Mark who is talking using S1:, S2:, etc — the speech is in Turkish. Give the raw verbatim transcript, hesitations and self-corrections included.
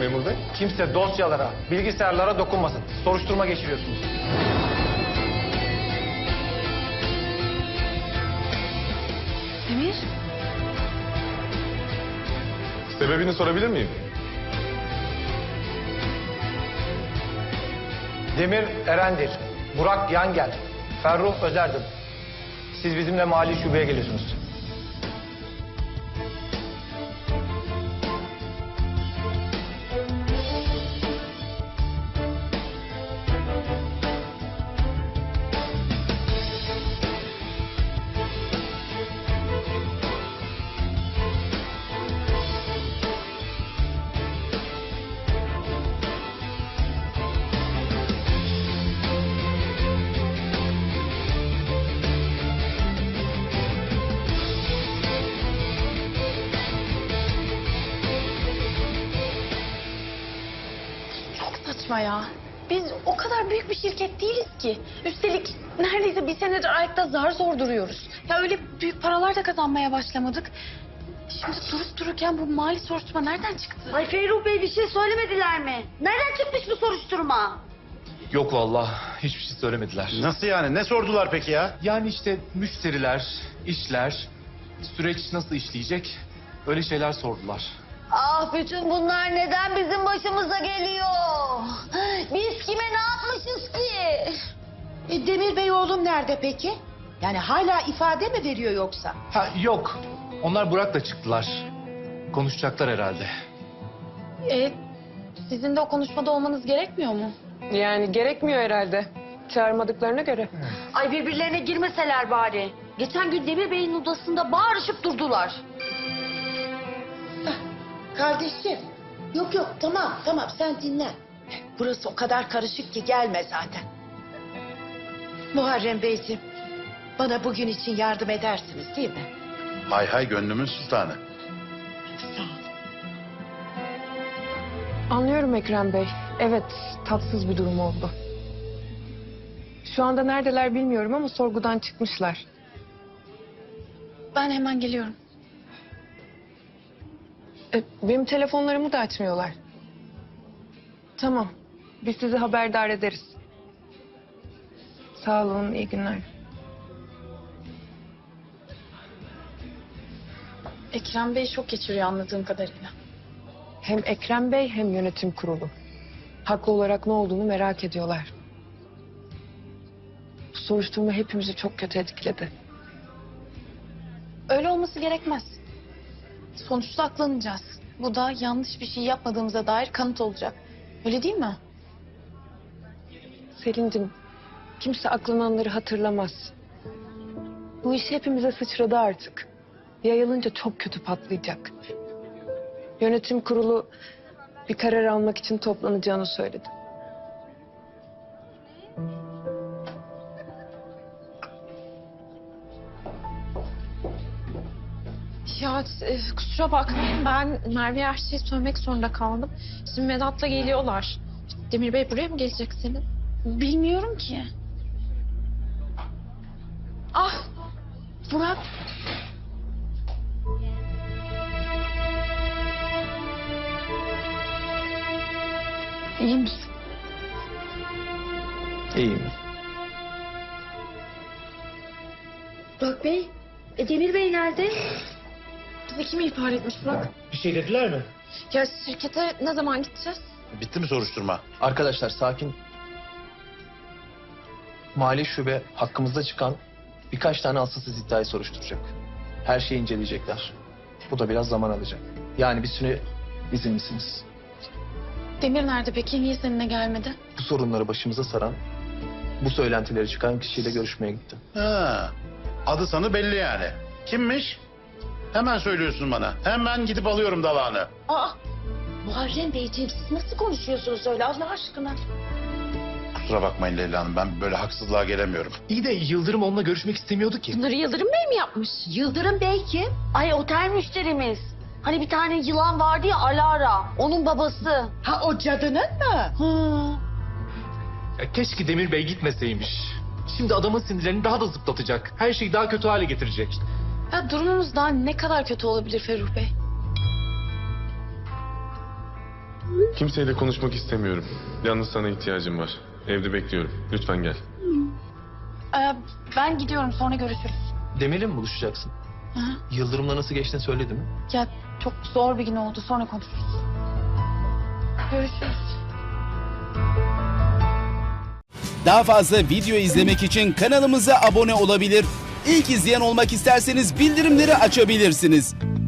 S1: memur bey?
S2: Kimse dosyalara, bilgisayarlara dokunmasın. Soruşturma geçiriyorsunuz.
S3: Demir,
S1: Sebebini sorabilir miyim?
S2: Demir Erendir, Burak Yangel, Ferruh Özerdin. Siz bizimle mali şubeye geliyorsunuz.
S3: saçma ya. Biz o kadar büyük bir şirket değiliz ki. Üstelik neredeyse bir senedir ayakta zar zor duruyoruz. Ya öyle büyük paralar da kazanmaya başlamadık. Şimdi durup dururken bu mali soruşturma nereden çıktı?
S4: Ay Ferruh Bey bir şey söylemediler mi? Nereden çıkmış bu soruşturma?
S5: Yok vallahi hiçbir şey söylemediler.
S6: Nasıl yani? Ne sordular peki ya?
S5: Yani işte müşteriler, işler, süreç nasıl işleyecek öyle şeyler sordular.
S4: Ah bütün bunlar neden bizim başımıza geliyor? Biz kime ne yapmışız ki?
S7: E, Demir Bey oğlum nerede peki? Yani hala ifade mi veriyor yoksa?
S5: Ha yok. Onlar Burak'la çıktılar. Konuşacaklar herhalde.
S3: E, sizin de o konuşmada olmanız gerekmiyor mu?
S8: Yani gerekmiyor herhalde. Çağırmadıklarına göre.
S4: Ay birbirlerine girmeseler bari. Geçen gün Demir Bey'in odasında bağırışıp durdular.
S7: Kardeşim. Yok yok tamam tamam sen dinle. Burası o kadar karışık ki gelme zaten. Muharrem Beyciğim bana bugün için yardım edersiniz değil mi?
S6: Hay hay gönlümün sultanı.
S7: Sağ ol.
S8: Anlıyorum Ekrem Bey. Evet, tatsız bir durum oldu. Şu anda neredeler bilmiyorum ama sorgudan çıkmışlar.
S3: Ben hemen geliyorum.
S8: E, benim telefonlarımı da açmıyorlar. Tamam, biz sizi haberdar ederiz. Sağ olun, iyi günler.
S3: Ekrem Bey şok geçiriyor anladığım kadarıyla.
S8: Hem Ekrem Bey hem yönetim kurulu. Haklı olarak ne olduğunu merak ediyorlar. Bu soruşturma hepimizi çok kötü etkiledi.
S3: Öyle olması gerekmez. Sonuçta aklanacağız. Bu da yanlış bir şey yapmadığımıza dair kanıt olacak. Öyle değil mi?
S8: Selin'cim, kimse aklananları hatırlamaz. Bu iş hepimize sıçradı artık. Yayılınca çok kötü patlayacak. Yönetim kurulu bir karar almak için toplanacağını söyledi.
S3: Ya e, kusura bakmayın ben Merve'ye her şeyi söylemek zorunda kaldım. Şimdi Vedat'la geliyorlar. Demir Bey buraya mı gelecek senin? Bilmiyorum ki. Ah Burak. İyi misin?
S5: İyiyim.
S4: Burak Bey, e Demir Bey nerede?
S3: Bizi kim ihbar etmiş Burak?
S2: Bir şey dediler mi?
S3: Ya şirkete ne zaman gideceğiz?
S6: Bitti mi soruşturma?
S5: Arkadaşlar sakin. Mali şube hakkımızda çıkan birkaç tane asılsız iddiayı soruşturacak. Her şeyi inceleyecekler. Bu da biraz zaman alacak. Yani bir süre izinlisiniz.
S3: Demir nerede peki? Niye seninle gelmedi?
S5: Bu sorunları başımıza saran, bu söylentileri çıkan kişiyle görüşmeye gitti.
S6: Ha, adı sanı belli yani. Kimmiş? Hemen söylüyorsun bana. Hemen gidip alıyorum dalağını.
S7: Aa Muharrem Beyciğim siz nasıl konuşuyorsunuz öyle Allah aşkına?
S6: Kusura bakmayın Leyla Hanım, ben böyle haksızlığa gelemiyorum.
S5: İyi de Yıldırım onunla görüşmek istemiyordu ki.
S3: Bunları Yıldırım Bey mi yapmış?
S4: Yıldırım Bey kim? Ay otel müşterimiz. Hani bir tane yılan vardı ya Alara. Onun babası.
S7: Ha o cadının mı? Hı.
S5: Ya keşke Demir Bey gitmeseymiş. Şimdi adamın sinirlerini daha da zıplatacak. Her şeyi daha kötü hale getirecek.
S3: Ya durumumuz daha ne kadar kötü olabilir Ferruh Bey?
S1: Kimseyle konuşmak istemiyorum. Yalnız sana ihtiyacım var. Evde bekliyorum. Lütfen gel.
S3: Ee, ben gidiyorum, sonra görüşürüz.
S5: Demir'le mi buluşacaksın?
S3: Hı hı.
S5: Yıldırım'la nasıl geçtiğini söyledi mi?
S3: Ya çok zor bir gün oldu, sonra konuşuruz. Görüşürüz.
S9: Daha fazla video izlemek için kanalımıza abone olabilir. İlk izleyen olmak isterseniz bildirimleri açabilirsiniz.